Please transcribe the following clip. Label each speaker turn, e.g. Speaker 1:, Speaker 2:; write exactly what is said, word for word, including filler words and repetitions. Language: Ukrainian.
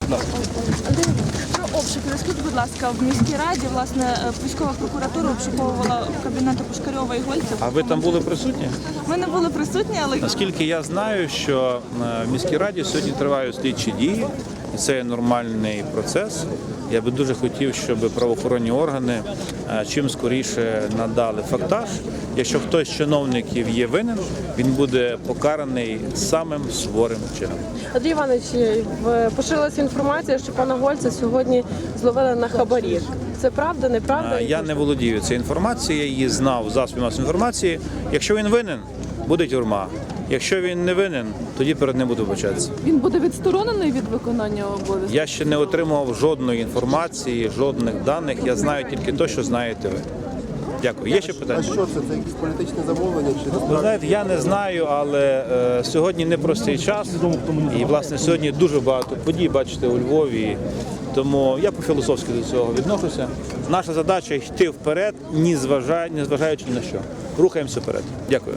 Speaker 1: Будь ласка.
Speaker 2: Про обшуки. Розкажіть, будь ласка, в міській раді, власне, військова прокуратура обшуковувала кабінети Пушкарьова і Гольця.
Speaker 1: А ви там були присутні?
Speaker 2: Ми не були присутні, але
Speaker 1: Наскільки я знаю, що е, в міській раді сьогодні тривають слідчі дії, і це є нормальний процес. Я би дуже хотів, щоб правоохоронні органи е, чим скоріше надали фактаж. Якщо хтось з чиновників є винен, він буде покараний самим суворим чином.
Speaker 3: Андрій Іванович, в- поширилася інформація, що пана Гольця сьогодні зловили на хабарі. Це правда, неправда?
Speaker 1: Е, Я не володію цією інформацією, я її знав в засобі масової інформації. Якщо він винен, буде тюрма. Якщо він не винен, тоді перед ним буду вибачатися.
Speaker 4: Він буде відсторонений від виконання обов'язків?
Speaker 1: Я ще не отримував жодної інформації, жодних даних. Я знаю тільки те, що знаєте ви. Дякую. Є ще
Speaker 5: А
Speaker 1: питання?
Speaker 5: що це? Це якісь політичне замовлення чи
Speaker 1: Ви
Speaker 5: насправді?
Speaker 1: знаєте, я не знаю, але е, сьогодні непростий час. І, власне, сьогодні дуже багато подій, бачите, у Львові. Тому я по-філософськи до цього відношуся. Наша задача йти вперед, ні зважаючи ні на що. Рухаємося вперед. Дякую.